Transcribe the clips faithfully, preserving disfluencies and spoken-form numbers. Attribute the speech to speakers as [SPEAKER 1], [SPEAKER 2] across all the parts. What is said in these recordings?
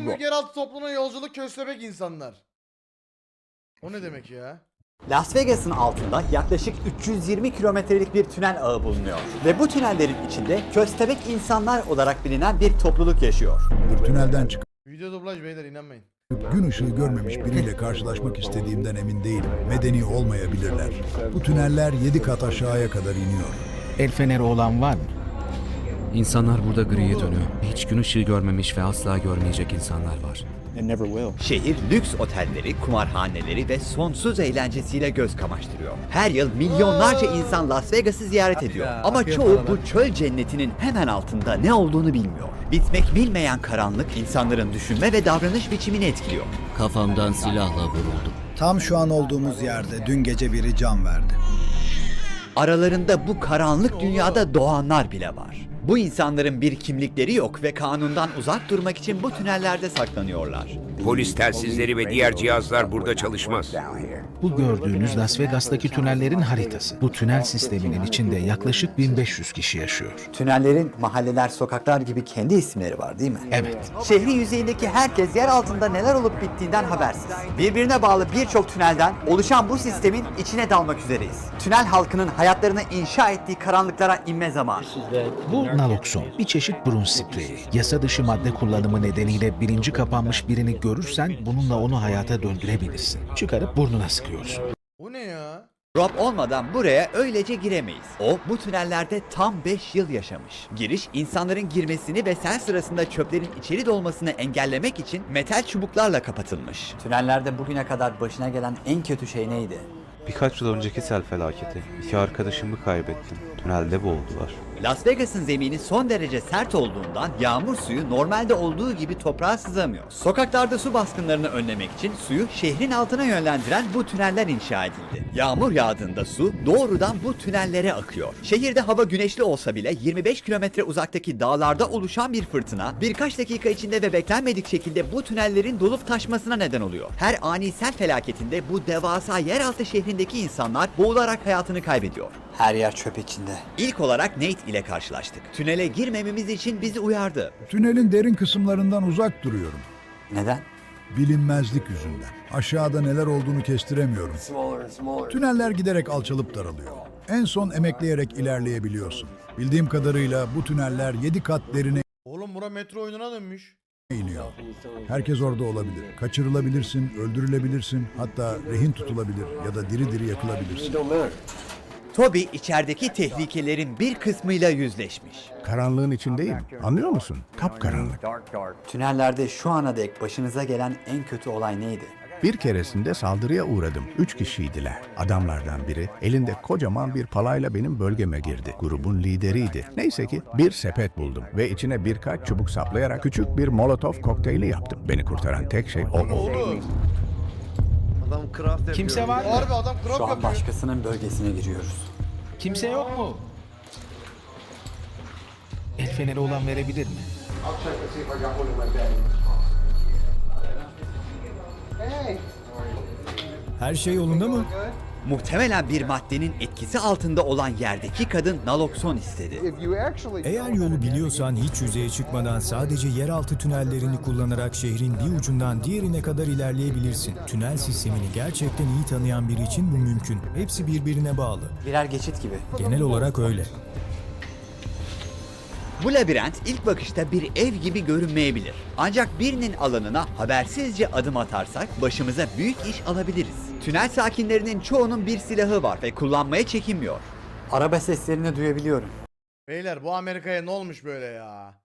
[SPEAKER 1] en büyük yeraltı topluluğuna yolculuk köstebek insanlar. O ne demek ya?
[SPEAKER 2] Las Vegas'ın altında yaklaşık üç yüz yirmi kilometrelik bir tünel ağı bulunuyor. Ve bu tünellerin içinde köstebek insanlar olarak bilinen bir topluluk yaşıyor.
[SPEAKER 3] Tünelden çıkıp
[SPEAKER 1] Video dublaj beyler, inanmayın.
[SPEAKER 3] gün ışığı görmemiş biriyle karşılaşmak istediğimden emin değilim. Medeni olmayabilirler. Bu tüneller yedi kat aşağıya kadar iniyor.
[SPEAKER 4] El feneri olan var mı?
[SPEAKER 5] İnsanlar burada griye dönüyor. Hiç gün ışığı görmemiş ve asla görmeyecek insanlar var.
[SPEAKER 2] Şehir lüks otelleri, kumarhaneleri ve sonsuz eğlencesiyle göz kamaştırıyor. Her yıl milyonlarca insan Las Vegas'ı ziyaret ediyor. Ama çoğu bu çöl cennetinin hemen altında ne olduğunu bilmiyor. Bitmek bilmeyen karanlık insanların düşünme ve davranış biçimini etkiliyor.
[SPEAKER 5] Kafamdan silahla vuruldum.
[SPEAKER 6] Tam şu an olduğumuz yerde dün gece biri can verdi.
[SPEAKER 2] Aralarında bu karanlık dünyada doğanlar bile var. Bu insanların bir kimlikleri yok ve kanundan uzak durmak için bu tünellerde saklanıyorlar.
[SPEAKER 7] Polis telsizleri ve diğer cihazlar burada çalışmaz.
[SPEAKER 4] Bu gördüğünüz Las Vegas'taki tünellerin haritası. Bu tünel sisteminin içinde yaklaşık bin beş yüz kişi yaşıyor.
[SPEAKER 2] Tünellerin mahalleler, sokaklar gibi kendi isimleri var değil mi?
[SPEAKER 4] Evet.
[SPEAKER 2] Şehrin yüzeyindeki herkes yer altında neler olup bittiğinden habersiz. Birbirine bağlı birçok tünelden oluşan bu sistemin içine dalmak üzereyiz. Tünel halkının hayatlarını inşa ettiği karanlıklara inme zamanı.
[SPEAKER 4] Bu nalokson, bir çeşit burun spreyi. Yasa dışı madde kullanımı nedeniyle bilinci kapanmış birini görürsen bununla onu hayata döndürebilirsin. Çıkarıp burnuna sıkıyorsun.
[SPEAKER 1] Bu ne ya?
[SPEAKER 2] Rob olmadan buraya öylece giremeyiz. O bu tünellerde tam beş yıl yaşamış. Giriş insanların girmesini ve sel sırasında çöplerin içeri dolmasını engellemek için metal çubuklarla kapatılmış. Tünellerde bugüne kadar başına gelen en kötü şey neydi?
[SPEAKER 8] Birkaç yıl önceki sel felaketi. İki arkadaşımı kaybettim. Tünelde boğuldular.
[SPEAKER 2] Las Vegas'ın zemini son derece sert olduğundan yağmur suyu normalde olduğu gibi toprağa sızamıyor. Sokaklarda su baskınlarını önlemek için suyu şehrin altına yönlendiren bu tüneller inşa edildi. Yağmur yağdığında su doğrudan bu tünellere akıyor. Şehirde hava güneşli olsa bile yirmi beş kilometre uzaktaki dağlarda oluşan bir fırtına birkaç dakika içinde ve beklenmedik şekilde bu tünellerin dolup taşmasına neden oluyor. Her ani sel felaketinde bu devasa yeraltı şehrindeki insanlar boğularak hayatını kaybediyor. Her yer çöp içinde. İlk olarak Nate ile karşılaştık. Tünele girmememiz için bizi uyardı.
[SPEAKER 3] Tünelin derin kısımlarından uzak duruyorum.
[SPEAKER 2] Neden?
[SPEAKER 3] Bilinmezlik yüzünden. Aşağıda neler olduğunu kestiremiyorum. Tüneller giderek alçalıp daralıyor. En son emekleyerek ilerleyebiliyorsun. Bildiğim kadarıyla bu tüneller yedi kat derine
[SPEAKER 1] Oğlum bura metro oyununa dönmüş.
[SPEAKER 3] iniyor. Herkes orada olabilir. Kaçırılabilirsin, öldürülebilirsin, hatta rehin tutulabilir ya da diri diri yakılabilirsin.
[SPEAKER 2] Toby içerideki tehlikelerin bir kısmıyla yüzleşmiş.
[SPEAKER 9] Karanlığın içindeyim. Anlıyor musun? Kapkaranlık.
[SPEAKER 2] Tünellerde şu ana dek başınıza gelen en kötü olay neydi?
[SPEAKER 9] Bir keresinde saldırıya uğradım. Üç kişiydiler. Adamlardan biri elinde kocaman bir palayla benim bölgeme girdi. Grubun lideriydi. Neyse ki bir sepet buldum ve içine birkaç çubuk saplayarak küçük bir molotov kokteyli yaptım. Beni kurtaran tek şey o oldu.
[SPEAKER 1] Oğlum.
[SPEAKER 4] Kimse var mı?
[SPEAKER 1] Harbi adam krop
[SPEAKER 2] Şu an
[SPEAKER 1] yapıyor.
[SPEAKER 2] başkasının bölgesine giriyoruz.
[SPEAKER 4] Kimse yok mu? El feneri olan verebilir mi?
[SPEAKER 6] Her şey yolunda mı?
[SPEAKER 2] Muhtemelen bir maddenin etkisi altında olan yerdeki kadın nalokson istedi.
[SPEAKER 6] Eğer yolu biliyorsan hiç yüzeye çıkmadan sadece yeraltı tünellerini kullanarak şehrin bir ucundan diğerine kadar ilerleyebilirsin. Tünel sistemini gerçekten iyi tanıyan biri için bu mümkün. Hepsi birbirine bağlı.
[SPEAKER 2] Birer geçit gibi.
[SPEAKER 6] Genel olarak öyle.
[SPEAKER 2] Bu labirent ilk bakışta bir ev gibi görünmeyebilir. Ancak birinin alanına habersizce adım atarsak başımıza büyük iş alabiliriz. Tünel sakinlerinin çoğunun bir silahı var ve kullanmaya çekinmiyor. Araba seslerini duyabiliyorum.
[SPEAKER 1] Beyler bu Amerika'ya ne olmuş böyle ya?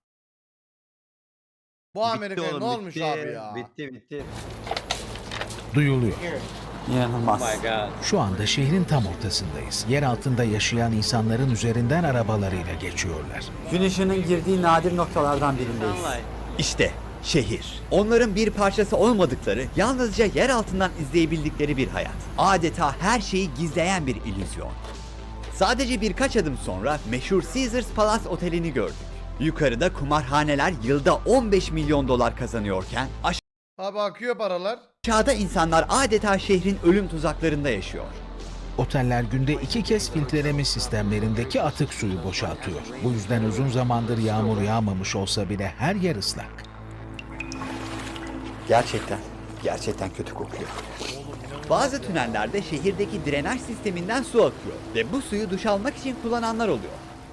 [SPEAKER 1] Bu Amerika'ya ne olmuş abi ya?
[SPEAKER 10] Bitti bitti.
[SPEAKER 4] Duyuluyor.
[SPEAKER 2] İnanılmaz.
[SPEAKER 4] Şu anda şehrin tam ortasındayız. Yer altında yaşayan insanların üzerinden arabalarıyla geçiyorlar.
[SPEAKER 2] Gün ışığının girdiği nadir noktalardan birindeyiz. İşte şehir. Onların bir parçası olmadıkları, yalnızca yer altından izleyebildikleri bir hayat. Adeta her şeyi gizleyen bir illüzyon. Sadece birkaç adım sonra meşhur Caesars Palace Oteli'ni gördük. Yukarıda kumarhaneler yılda on beş milyon dolar kazanıyorken
[SPEAKER 1] Abi akıyor paralar.
[SPEAKER 2] aşağıda insanlar adeta şehrin ölüm tuzaklarında yaşıyor.
[SPEAKER 4] Oteller günde iki kez filtreleme sistemlerindeki atık suyu boşaltıyor. Bu yüzden uzun zamandır yağmur yağmamış olsa bile her yer ıslak.
[SPEAKER 2] Gerçekten, gerçekten kötü kokuyor. Bazı tünellerde şehirdeki drenaj sisteminden su akıyor ve bu suyu duş almak için kullananlar oluyor.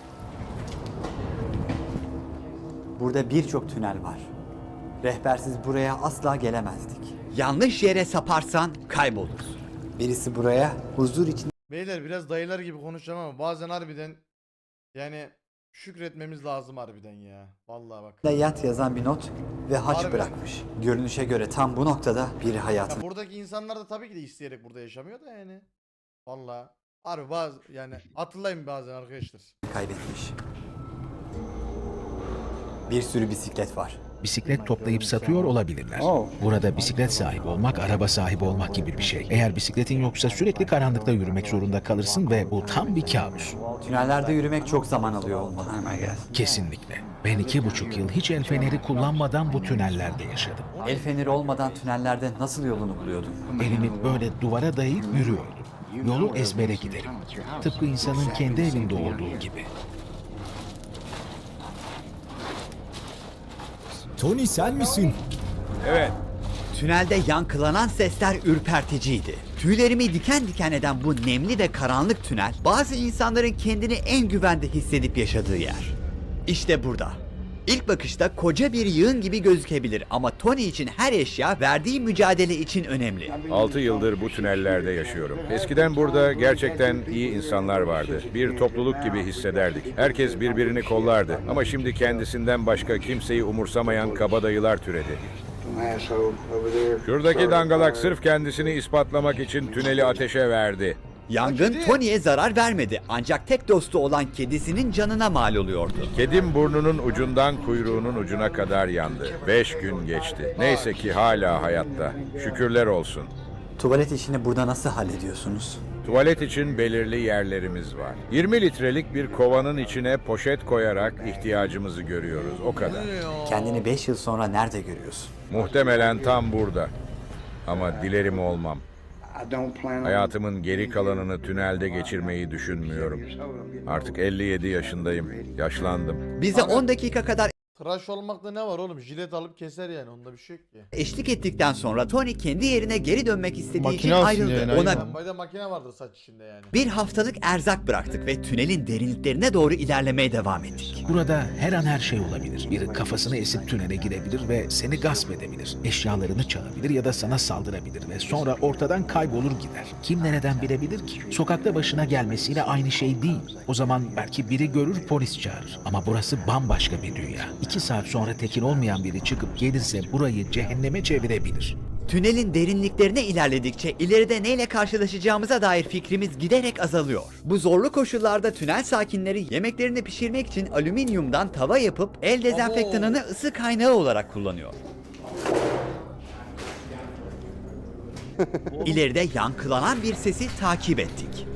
[SPEAKER 2] Burada birçok tünel var. Rehbersiz buraya asla gelemezdik. Yanlış yere saparsan kaybolursun. Birisi buraya huzur için
[SPEAKER 1] Beyler biraz dayılar gibi konuşacağım ama bazen harbiden yani şükretmemiz lazım harbiden ya. Vallahi bak.
[SPEAKER 2] de yat yazan bir not ve haç
[SPEAKER 1] Harbi.
[SPEAKER 2] bırakmış. Görünüşe göre tam bu noktada biri
[SPEAKER 1] Ya
[SPEAKER 2] hayatını
[SPEAKER 1] buradaki insanlar da tabii ki de isteyerek burada yaşamıyor da yani. Vallahi harbi bazı yani hatırlayın bazen arkadaşlar.
[SPEAKER 2] kaybetmiş. Bir sürü bisiklet var.
[SPEAKER 4] Bisiklet toplayıp satıyor olabilirler.
[SPEAKER 2] Oh.
[SPEAKER 4] Burada bisiklet sahibi olmak, araba sahibi olmak gibi bir şey. Eğer bisikletin yoksa sürekli karanlıkta yürümek zorunda kalırsın ve bu tam bir kabus.
[SPEAKER 2] Tünellerde yürümek çok zaman alıyor olmalı.
[SPEAKER 4] Kesinlikle. Ben iki buçuk yıl hiç el feneri kullanmadan bu tünellerde yaşadım.
[SPEAKER 2] El feneri olmadan tünellerde nasıl yolunu buluyordun?
[SPEAKER 4] Elimi böyle duvara dayayıp yürüyordum. Yolu ezbere giderim. Tıpkı insanın kendi evinde olduğu gibi.
[SPEAKER 6] Tony sen misin?
[SPEAKER 7] Evet.
[SPEAKER 2] Tünelde yankılanan sesler ürperticiydi. Tüylerimi diken diken eden bu nemli ve karanlık tünel, bazı insanların kendini en güvende hissedip yaşadığı yer. İşte burada. İlk bakışta koca bir yığın gibi gözükebilir ama Tony için her eşya verdiği mücadele için önemli.
[SPEAKER 7] altı yıldır bu tünellerde yaşıyorum. Eskiden burada gerçekten iyi insanlar vardı. Bir topluluk gibi hissederdik. Herkes birbirini kollardı. Ama şimdi kendisinden başka kimseyi umursamayan kabadayılar türedi. Şuradaki dangalak sırf kendisini ispatlamak için tüneli ateşe verdi.
[SPEAKER 2] Yangın Tony'ye zarar vermedi ancak tek dostu olan kedisinin canına mal oluyordu.
[SPEAKER 7] Kedim burnunun ucundan kuyruğunun ucuna kadar yandı. Beş gün geçti. Neyse ki hala hayatta. Şükürler olsun.
[SPEAKER 2] Tuvalet işini burada nasıl hallediyorsunuz?
[SPEAKER 7] Tuvalet için belirli yerlerimiz var. yirmi litrelik bir kovanın içine poşet koyarak ihtiyacımızı görüyoruz. O kadar.
[SPEAKER 2] Kendini beş yıl sonra nerede görüyorsun?
[SPEAKER 7] Muhtemelen tam burada. Ama dilerim olmam. Hayatımın geri kalanını tünelde geçirmeyi düşünmüyorum. Artık elli yedi yaşındayım. Yaşlandım.
[SPEAKER 2] Bize on dakika kadar
[SPEAKER 1] Tıraş olmakta ne var oğlum? Jilet alıp keser yani, onda bir şey yok ki.
[SPEAKER 2] eşlik ettikten sonra Tony kendi yerine geri dönmek istediği
[SPEAKER 1] Makine
[SPEAKER 2] için
[SPEAKER 1] aslında
[SPEAKER 2] ayrıldı.
[SPEAKER 1] yani,
[SPEAKER 2] Ona
[SPEAKER 1] aynen. Lambayda makine vardır saç içinde yani.
[SPEAKER 2] bir haftalık erzak bıraktık ve tünelin derinliklerine doğru ilerlemeye devam ettik.
[SPEAKER 4] Burada her an her şey olabilir. Biri kafasını esip tünele girebilir ve seni gasp edebilir. Eşyalarını çalabilir ya da sana saldırabilir ve sonra ortadan kaybolur gider. Kim nereden bilebilir ki? Sokakta başına gelmesiyle aynı şey değil. O zaman belki biri görür, polis çağırır. Ama burası bambaşka bir dünya. İki saat sonra tekin olmayan biri çıkıp gelirse burayı cehenneme çevirebilir.
[SPEAKER 2] Tünelin derinliklerine ilerledikçe ileride neyle karşılaşacağımıza dair fikrimiz giderek azalıyor. Bu zorlu koşullarda tünel sakinleri yemeklerini pişirmek için alüminyumdan tava yapıp el dezenfektanını ısı kaynağı olarak kullanıyor. İleride yankılanan bir sesi takip ettik.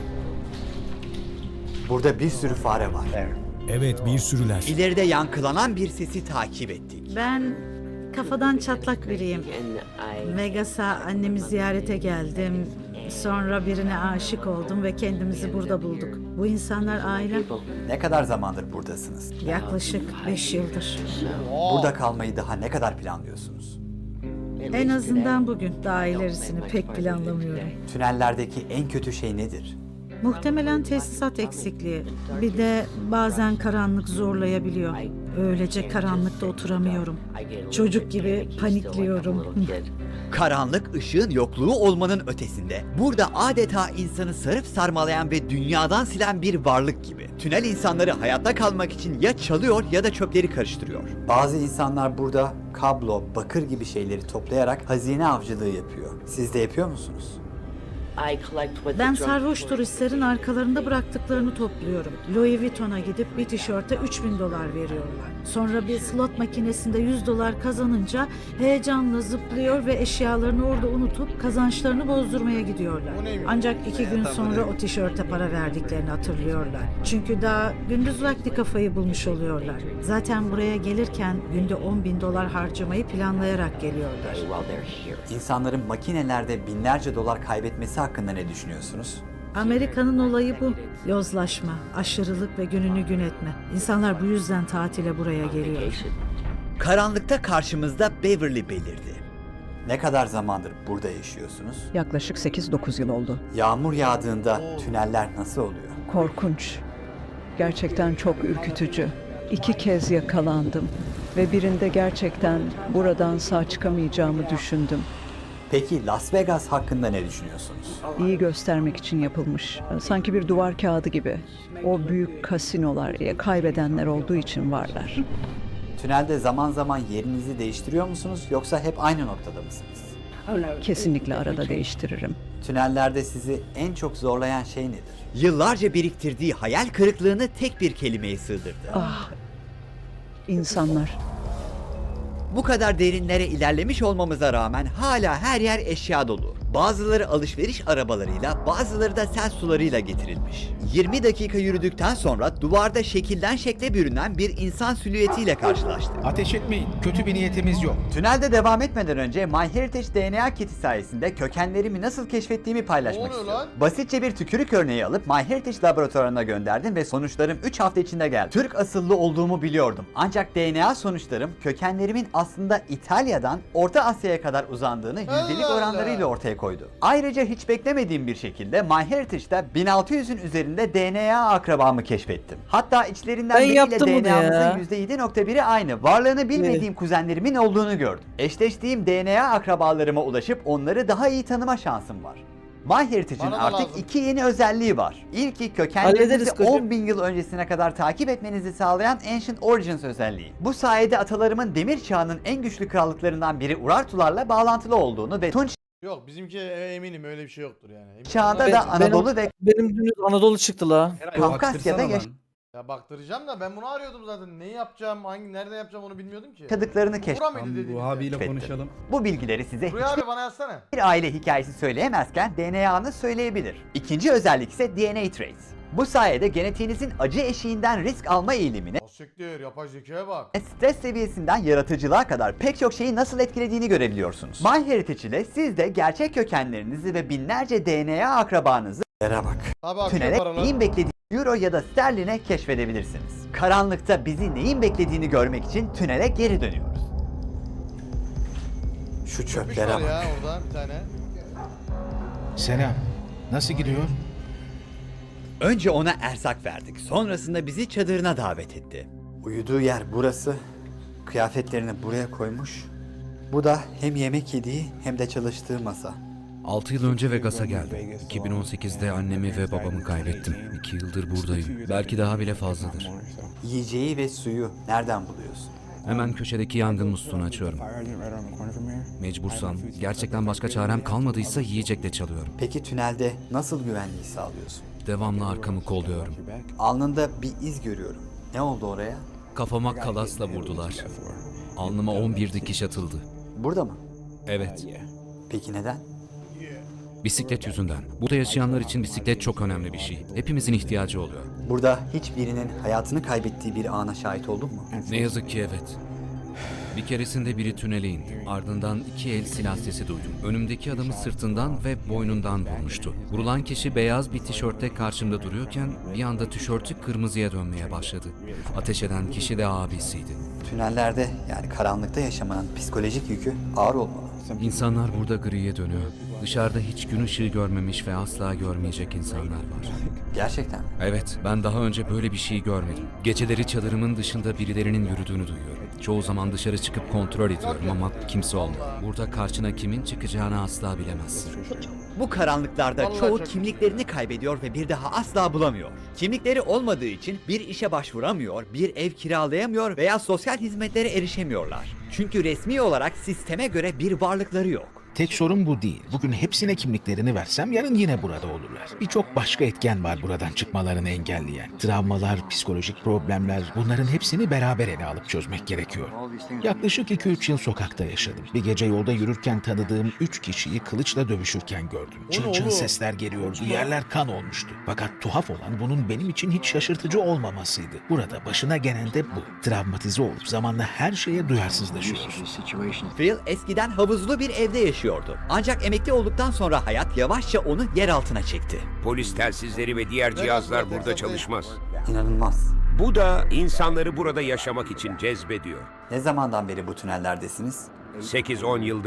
[SPEAKER 2] Burada bir sürü fare var.
[SPEAKER 6] Evet, bir sürüler.
[SPEAKER 2] İleride yankılanan bir sesi takip ettik.
[SPEAKER 10] Ben kafadan çatlak biriyim. Vegas'a annemi ziyarete geldim. Sonra birine aşık oldum ve kendimizi burada bulduk. Bu insanlar ailem.
[SPEAKER 2] Ne kadar zamandır buradasınız?
[SPEAKER 10] Yaklaşık beş yıldır.
[SPEAKER 2] Burada kalmayı daha ne kadar planlıyorsunuz?
[SPEAKER 10] En azından bugün. Daha ilerisini pek planlamıyorum.
[SPEAKER 2] Tünellerdeki en kötü şey nedir?
[SPEAKER 10] Muhtemelen tesisat eksikliği. Bir de bazen karanlık zorlayabiliyor. Öylece karanlıkta oturamıyorum. Çocuk gibi panikliyorum.
[SPEAKER 2] Karanlık ışığın yokluğu olmanın ötesinde burada adeta insanı sarıp sarmalayan ve dünyadan silen bir varlık gibi. Tünel insanları hayatta kalmak için ya çalıyor ya da çöpleri karıştırıyor. Bazı insanlar burada kablo, bakır gibi şeyleri toplayarak hazine avcılığı yapıyor. Siz de yapıyor musunuz?
[SPEAKER 10] Ben sarhoş turistlerin arkalarında bıraktıklarını topluyorum. Louis Vuitton'a gidip bir tişörte üç bin dolar veriyorlar. Sonra bir slot makinesinde yüz dolar kazanınca heyecanla zıplıyor ve eşyalarını orada unutup kazançlarını bozdurmaya gidiyorlar. Ancak iki gün sonra o tişörte para verdiklerini hatırlıyorlar. Çünkü daha gündüz vakti kafayı bulmuş oluyorlar. Zaten buraya gelirken günde on bin dolar harcamayı planlayarak geliyorlar.
[SPEAKER 2] İnsanların makinelerde binlerce dolar kaybetmesi hakkında ne düşünüyorsunuz?
[SPEAKER 10] Amerika'nın olayı bu. Yozlaşma, aşırılık ve gününü gün etme. İnsanlar bu yüzden tatile buraya geliyor.
[SPEAKER 2] Karanlıkta karşımızda Beverly belirdi. Ne kadar zamandır burada yaşıyorsunuz?
[SPEAKER 11] Yaklaşık sekiz dokuz yıl oldu.
[SPEAKER 2] Yağmur yağdığında tüneller nasıl oluyor?
[SPEAKER 11] Korkunç. Gerçekten çok ürkütücü. İki kez yakalandım ve birinde gerçekten buradan sağ çıkamayacağımı düşündüm.
[SPEAKER 2] Peki Las Vegas hakkında ne düşünüyorsunuz?
[SPEAKER 11] İyi göstermek için yapılmış. Sanki bir duvar kağıdı gibi. O büyük kasinolar, kaybedenler olduğu için varlar.
[SPEAKER 2] Tünelde zaman zaman yerinizi değiştiriyor musunuz yoksa hep aynı noktada mısınız?
[SPEAKER 11] Kesinlikle arada değiştiririm.
[SPEAKER 2] Tünellerde sizi en çok zorlayan şey nedir? Yıllarca biriktirdiği hayal kırıklığını tek bir kelimeye sığdırdı.
[SPEAKER 11] Ah, insanlar.
[SPEAKER 2] Bu kadar derinlere ilerlemiş olmamıza rağmen hala her yer eşya dolu. Bazıları alışveriş arabalarıyla, bazıları da sel sularıyla getirilmiş. yirmi dakika yürüdükten sonra duvarda şekilden şekle bürünen bir insan silüetiyle karşılaştık.
[SPEAKER 4] Ateş etmeyin. Kötü bir niyetimiz yok.
[SPEAKER 2] Tünelde devam etmeden önce MyHeritage D N A kiti sayesinde kökenlerimi nasıl keşfettiğimi paylaşmak
[SPEAKER 1] Ne oluyor
[SPEAKER 2] istiyorum.
[SPEAKER 1] lan?
[SPEAKER 2] Basitçe bir tükürük örneği alıp MyHeritage laboratuvarına gönderdim ve sonuçlarım üç hafta içinde geldi. Türk asıllı olduğumu biliyordum. Ancak D N A sonuçlarım kökenlerimin aslında İtalya'dan Orta Asya'ya kadar uzandığını yüzdelik
[SPEAKER 1] Allah
[SPEAKER 2] oranlarıyla
[SPEAKER 1] Allah.
[SPEAKER 2] ortaya koydu. Ayrıca hiç beklemediğim bir şekilde MyHeritage'da bin altı yüzün üzerinde D N A akrabamı keşfettim. Hatta içlerinden
[SPEAKER 12] Ben
[SPEAKER 2] biriyle
[SPEAKER 12] yaptım bunu
[SPEAKER 2] D N A'mızın
[SPEAKER 12] ya.
[SPEAKER 2] yüzde yedi nokta biri aynı. Varlığını bilmediğim kuzenlerimin olduğunu gördüm. Eşleştiğim D N A akrabalarıma ulaşıp onları daha iyi tanıma şansım var. MyHeritage'in
[SPEAKER 1] Bana da
[SPEAKER 2] artık
[SPEAKER 1] lazım.
[SPEAKER 2] iki yeni özelliği var. İlki
[SPEAKER 12] Hallederiz
[SPEAKER 2] kökenlerinizi
[SPEAKER 12] kocam.
[SPEAKER 2] on bin yıl öncesine kadar takip etmenizi sağlayan Ancient Origins özelliği. Bu sayede atalarımın demir çağının en güçlü krallıklarından biri Urartularla bağlantılı olduğunu ve Tunç
[SPEAKER 1] Yok bizimki e, eminim öyle bir şey yoktur yani. Eminim.
[SPEAKER 2] çağında
[SPEAKER 12] Ben-
[SPEAKER 2] da Anadolu
[SPEAKER 12] benim-
[SPEAKER 2] ve
[SPEAKER 12] Benim dünüz Anadolu çıktı la.
[SPEAKER 2] Kafkasya'da yaş-
[SPEAKER 1] Ya baktıracağım da ben bunu arıyordum zaten. Neyi yapacağım, hangi nerede yapacağım onu bilmiyordum ki.
[SPEAKER 2] yaşadıklarını
[SPEAKER 1] Bura mıydı
[SPEAKER 2] keşfettim.
[SPEAKER 1] dediğiniz
[SPEAKER 13] abiyle
[SPEAKER 1] yer?
[SPEAKER 13] konuşalım.
[SPEAKER 2] Bu bilgileri size
[SPEAKER 1] Rüya abi bana yazsana.
[SPEAKER 2] hiçbir aile hikayesi söyleyemezken D N A'nı söyleyebilir. İkinci özellik ise D N A Trace. Bu sayede genetiğinizin acı eşiğinden risk alma eğilimine,
[SPEAKER 1] O siktir yapay zekaya bak.
[SPEAKER 2] stres seviyesinden yaratıcılığa kadar pek çok şeyi nasıl etkilediğini görebiliyorsunuz. MyHeritage ile siz de gerçek kökenlerinizi ve binlerce D N A akrabanızı bak.
[SPEAKER 1] Abi akıyor
[SPEAKER 2] Tünele
[SPEAKER 1] paralar.
[SPEAKER 2] neyin beklediğini euro ya da sterline keşfedebilirsiniz. Karanlıkta bizi neyin beklediğini görmek için tünele geri dönüyoruz. Şu
[SPEAKER 1] Köpüş
[SPEAKER 2] çöplere
[SPEAKER 1] var
[SPEAKER 2] bak.
[SPEAKER 1] ya orada bir tane.
[SPEAKER 4] Selam. Nasıl gidiyor?
[SPEAKER 2] Önce ona erzak verdik. Sonrasında bizi çadırına davet etti. Uyuduğu yer burası. Kıyafetlerini buraya koymuş. Bu da hem yemek yediği hem de çalıştığı masa.
[SPEAKER 5] altı yıl önce Vegas'a geldim. iki bin on sekizde annemi ve babamı kaybettim. iki yıldır buradayım. Belki daha bile fazladır.
[SPEAKER 2] Yiyeceği ve suyu nereden buluyorsun?
[SPEAKER 5] Hemen köşedeki yangın musluğunu açıyorum. Mecbursam, gerçekten başka çarem kalmadıysa yiyecekle çalıyorum.
[SPEAKER 2] Peki tünelde nasıl güvenliği sağlıyorsun?
[SPEAKER 5] Devamlı arkamı kolluyorum.
[SPEAKER 2] Alnında bir iz görüyorum. Ne oldu oraya?
[SPEAKER 5] Kafama kalasla vurdular. Alnıma on bir dikiş atıldı.
[SPEAKER 2] Burada mı?
[SPEAKER 5] Evet,
[SPEAKER 2] Peki neden?
[SPEAKER 5] bisiklet yüzünden. Burada yaşayanlar için bisiklet çok önemli bir şey. Hepimizin ihtiyacı oluyor.
[SPEAKER 2] Burada hiçbirinin hayatını kaybettiği bir ana şahit oldun mu?
[SPEAKER 5] Ne yazık ki evet. Bir keresinde biri tünele indi. Ardından iki el silah sesi duydum. Önümdeki adamı sırtından ve boynundan vurmuştu. Vurulan kişi beyaz bir tişörtte karşımda duruyorken bir anda tişörtü kırmızıya dönmeye başladı. Ateş eden kişi de abisiydi.
[SPEAKER 2] Tünellerde yani karanlıkta yaşamanın psikolojik yükü ağır olmalı.
[SPEAKER 5] İnsanlar burada griye dönüyor. Dışarıda hiç gün ışığı görmemiş ve asla görmeyecek insanlar var.
[SPEAKER 2] Gerçekten.
[SPEAKER 5] Evet, ben daha önce böyle bir şey görmedim. Geceleri çadırımın dışında birilerinin yürüdüğünü duyuyorum. Çoğu zaman dışarı çıkıp kontrol ediyorum ama kimse olmuyor. Burada karşına kimin çıkacağını asla bilemezsin.
[SPEAKER 2] Bu karanlıklarda
[SPEAKER 1] Vallahi
[SPEAKER 2] çoğu
[SPEAKER 1] çok-
[SPEAKER 2] kimliklerini kaybediyor ve bir daha asla bulamıyor. Kimlikleri olmadığı için bir işe başvuramıyor, bir ev kiralayamıyor veya sosyal hizmetlere erişemiyorlar. Çünkü resmi olarak sisteme göre bir varlıkları yok.
[SPEAKER 4] Tek sorun bu değil. Bugün hepsine kimliklerini versem yarın yine burada olurlar. Birçok başka etken var buradan çıkmalarını engelleyen. Travmalar, psikolojik problemler, bunların hepsini beraber ele alıp çözmek gerekiyor. Yaklaşık iki üç yıl sokakta yaşadım. Bir gece yolda yürürken tanıdığım üç kişiyi kılıçla dövüşürken gördüm. Çın çın
[SPEAKER 1] oğlum?
[SPEAKER 4] sesler geliyordu, yerler kan olmuştu. Fakat tuhaf olan bunun benim için hiç şaşırtıcı olmamasıydı. Burada başına gelen de bu. Travmatize olup zamanla her şeye duyarsızlaşıyoruz.
[SPEAKER 2] Phil eskiden havuzlu bir evde yaşıyordu. Ancak emekli olduktan sonra hayat yavaşça onu yer altına çekti.
[SPEAKER 14] Polis telsizleri ve diğer cihazlar burada çalışmaz.
[SPEAKER 2] İnanılmaz.
[SPEAKER 14] Bu da insanları burada yaşamak için cezbediyor.
[SPEAKER 2] Ne zamandan beri bu tünellerdesiniz?
[SPEAKER 14] sekiz on yıldır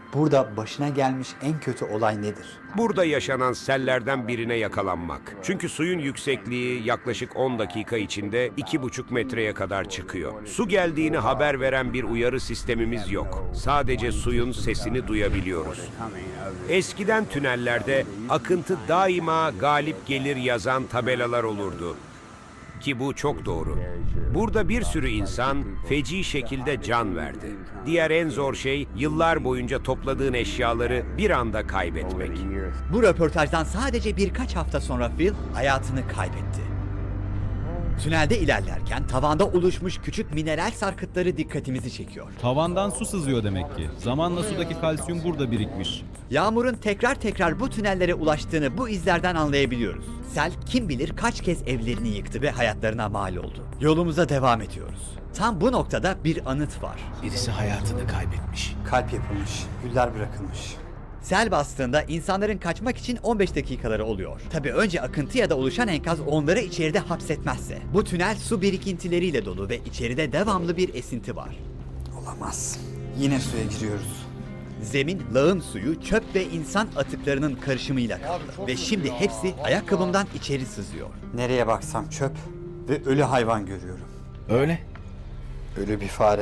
[SPEAKER 2] Burada başına gelmiş en kötü olay nedir?
[SPEAKER 14] Burada yaşanan sellerden birine yakalanmak. Çünkü suyun yüksekliği yaklaşık on dakika içinde iki buçuk metreye kadar çıkıyor. Su geldiğini haber veren bir uyarı sistemimiz yok. Sadece suyun sesini duyabiliyoruz. Eskiden tünellerde akıntı daima galip gelir yazan tabelalar olurdu. Ki bu çok doğru. Burada bir sürü insan feci şekilde can verdi. Diğer en zor şey yıllar boyunca topladığın eşyaları bir anda kaybetmek.
[SPEAKER 2] Bu röportajdan sadece birkaç hafta sonra Phil hayatını kaybetti. Tünelde ilerlerken tavanda oluşmuş küçük mineral sarkıtları dikkatimizi çekiyor.
[SPEAKER 13] Tavandan su sızıyor demek ki. Zamanla sudaki kalsiyum burada birikmiş.
[SPEAKER 2] Yağmurun tekrar tekrar bu tünellere ulaştığını bu izlerden anlayabiliyoruz. Sel kim bilir kaç kez evlerini yıktı ve hayatlarına mal oldu. Yolumuza devam ediyoruz. Tam bu noktada bir anıt var.
[SPEAKER 4] Birisi hayatını kaybetmiş.
[SPEAKER 2] Kalp yapılmış, güller bırakılmış. Sel bastığında insanların kaçmak için on beş dakikaları oluyor. Tabii önce akıntı ya da oluşan enkaz onları içeride hapsetmezse. Bu tünel su birikintileriyle dolu ve içeride devamlı bir esinti var. Olamaz. Yine suya giriyoruz. Zemin, lağım suyu, çöp ve insan atıklarının karışımıyla kaplı. Ve şimdi hepsi ayakkabımdan içeri sızıyor. Nereye baksam çöp ve ölü hayvan görüyorum.
[SPEAKER 4] Öyle.
[SPEAKER 2] Ölü bir fare.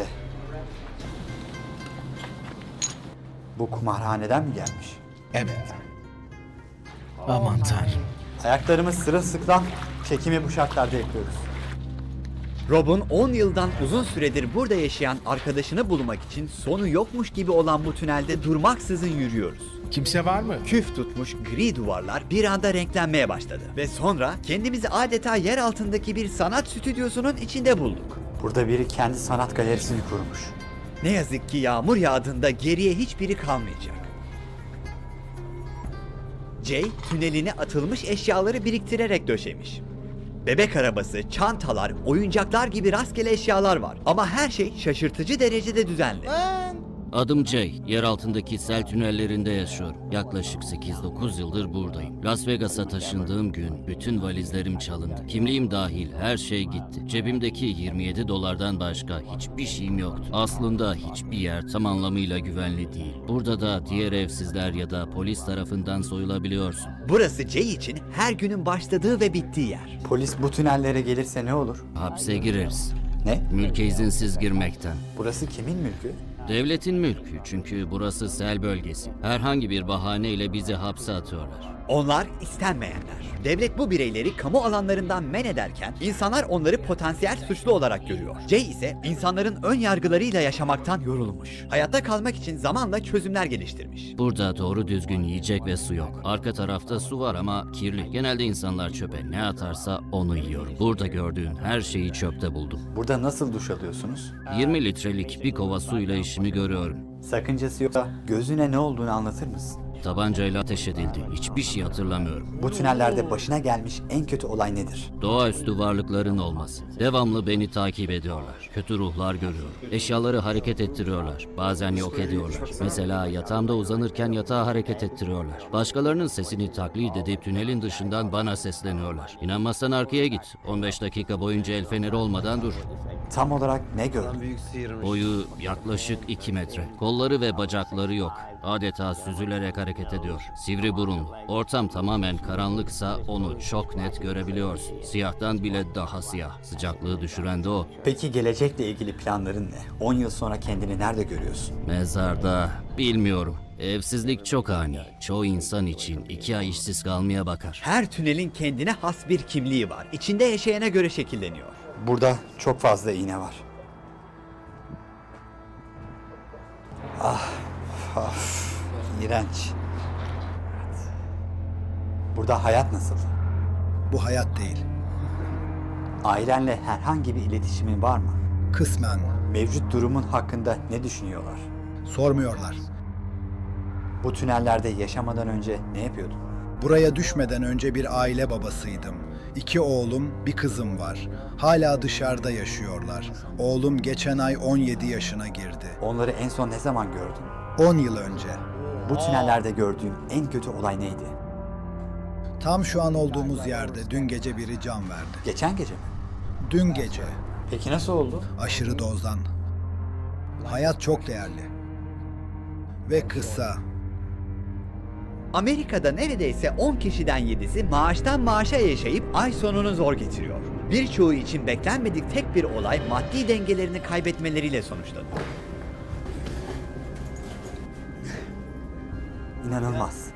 [SPEAKER 2] Bu kumarhaneden mi gelmiş?
[SPEAKER 4] Evet. Aman tanrım.
[SPEAKER 2] Ayaklarımız sırılsıklam, çekimi bu şartlarda yapıyoruz. Rob'un on yıldan uzun süredir burada yaşayan arkadaşını bulmak için sonu yokmuş gibi olan bu tünelde durmaksızın yürüyoruz.
[SPEAKER 4] Kimse var mı?
[SPEAKER 2] Küf tutmuş gri duvarlar bir anda renklenmeye başladı. Ve sonra kendimizi adeta yer altındaki bir sanat stüdyosunun içinde bulduk. Burada biri kendi sanat galerisini kurmuş. Ne yazık ki yağmur yağdığında geriye hiçbiri kalmayacak. Jay, tüneline atılmış eşyaları biriktirerek döşemiş. Bebek arabası, çantalar, oyuncaklar gibi rastgele eşyalar var. Ama her şey şaşırtıcı derecede düzenli.
[SPEAKER 15] Adım Jay. Yer altındaki sel tünellerinde yaşıyorum. Yaklaşık sekiz dokuz yıldır buradayım. Las Vegas'a taşındığım gün bütün valizlerim çalındı. Kimliğim dahil her şey gitti. Cebimdeki yirmi yedi dolardan başka hiçbir şeyim yoktu. Aslında hiçbir yer tam anlamıyla güvenli değil. Burada da diğer evsizler ya da polis tarafından soyulabiliyorsun.
[SPEAKER 2] Burası Jay için her günün başladığı ve bittiği yer. Polis bu tünellere gelirse ne olur?
[SPEAKER 15] Hapse gireriz.
[SPEAKER 2] Ne?
[SPEAKER 15] Mülke izinsiz girmekten.
[SPEAKER 2] Burası kimin mülkü?
[SPEAKER 15] Devletin mülkü, çünkü burası sel bölgesi. Herhangi bir bahaneyle bizi hapse atıyorlar.
[SPEAKER 2] Onlar istenmeyenler. Devlet bu bireyleri kamu alanlarından men ederken insanlar onları potansiyel suçlu olarak görüyor. Jay ise insanların ön yargılarıyla yaşamaktan yorulmuş. Hayatta kalmak için zamanla çözümler geliştirmiş.
[SPEAKER 15] Burada doğru düzgün yiyecek ve su yok. Arka tarafta su var ama kirli. Genelde insanlar çöpe ne atarsa onu yiyor. Burada gördüğün her şeyi çöpte buldum.
[SPEAKER 2] Burada nasıl duş alıyorsunuz?
[SPEAKER 15] yirmi litrelik bir kova suyla işimi görüyorum.
[SPEAKER 2] Sakıncası yoksa gözüne ne olduğunu anlatır mısın?
[SPEAKER 15] Tabancayla ateş edildi. Hiçbir şey hatırlamıyorum.
[SPEAKER 2] Bu tünellerde başına gelmiş en kötü olay nedir?
[SPEAKER 15] Doğaüstü varlıkların olması. Devamlı beni takip ediyorlar. Kötü ruhlar görüyorum. Eşyaları hareket ettiriyorlar. Bazen yok ediyorlar. Mesela yatağımda uzanırken yatağı hareket ettiriyorlar. Başkalarının sesini taklit edip tünelin dışından bana sesleniyorlar. İnanmazsan arkaya git. on beş dakika boyunca el feneri olmadan dur.
[SPEAKER 2] Tam olarak ne gördün?
[SPEAKER 15] Boyu yaklaşık iki metre. Kolları ve bacakları yok. Adeta süzülerek hareket ediyor. Sivri burunlu. Ortam tamamen karanlıksa onu çok net görebiliyorsun. Siyahtan bile daha siyah. Sıcaklığı düşüren de o.
[SPEAKER 2] Peki gelecekle ilgili planların ne? on yıl sonra kendini nerede görüyorsun?
[SPEAKER 15] Mezarda bilmiyorum. Evsizlik çok ani. Çoğu insan için iki ay işsiz kalmaya bakar.
[SPEAKER 2] Her tünelin kendine has bir kimliği var. İçinde yaşayana göre şekilleniyor. Burada çok fazla iğne var. Ah, of, iğrenç. Burada hayat nasıl?
[SPEAKER 3] Bu hayat değil.
[SPEAKER 2] Ailenle herhangi bir iletişimin var mı?
[SPEAKER 3] Kısmen.
[SPEAKER 2] Mevcut durumun hakkında ne düşünüyorlar?
[SPEAKER 3] Sormuyorlar.
[SPEAKER 2] Bu tünellerde yaşamadan önce ne yapıyordun?
[SPEAKER 3] Buraya düşmeden önce bir aile babasıydım. İki oğlum, bir kızım var. Hala dışarıda yaşıyorlar. Oğlum geçen ay on yedi yaşına girdi.
[SPEAKER 2] Onları en son ne zaman gördün?
[SPEAKER 3] on yıl önce.
[SPEAKER 2] Bu tünellerde gördüğün en kötü olay neydi?
[SPEAKER 3] Tam şu an olduğumuz yerde dün gece biri can verdi.
[SPEAKER 2] Geçen gece mi?
[SPEAKER 3] Dün gece.
[SPEAKER 2] Peki nasıl oldu?
[SPEAKER 3] Aşırı dozdan. Hayat çok değerli.
[SPEAKER 16] ve kısa.
[SPEAKER 2] Amerika'da neredeyse on kişiden yedisi maaştan maaşa yaşayıp ay sonunu zor getiriyor. Birçoğu için beklenmedik tek bir olay maddi dengelerini kaybetmeleriyle sonuçlanıyor.
[SPEAKER 17] İnanılmaz.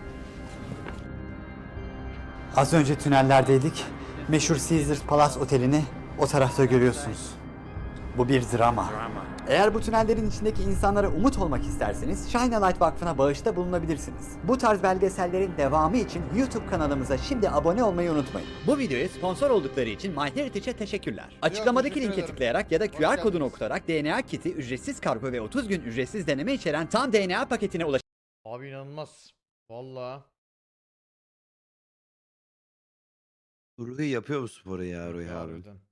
[SPEAKER 17] Az önce tünellerdeydik. Meşhur Caesars Palace Oteli'ni o tarafta görüyorsunuz. Bu bir drama. Eğer bu tünellerin içindeki insanlara umut olmak isterseniz Shine a Light Vakfı'na bağışta bulunabilirsiniz. Bu tarz belgesellerin devamı için YouTube kanalımıza şimdi abone olmayı unutmayın. Bu videoya sponsor oldukları için MyHeritage'e teşekkürler. Açıklamadaki
[SPEAKER 1] teşekkür
[SPEAKER 17] linke
[SPEAKER 1] ederim.
[SPEAKER 17] tıklayarak ya da
[SPEAKER 1] Hoş
[SPEAKER 17] Q R kodunu
[SPEAKER 1] geldiniz.
[SPEAKER 17] okutarak D N A kiti, ücretsiz kargo ve otuz gün ücretsiz deneme içeren tam D N A paketine ulaşabilirsiniz.
[SPEAKER 1] Abi inanılmaz. Vallahi.
[SPEAKER 8] Ruhi yapıyor bu sporu ya Ruhi abi.
[SPEAKER 1] Harbiden.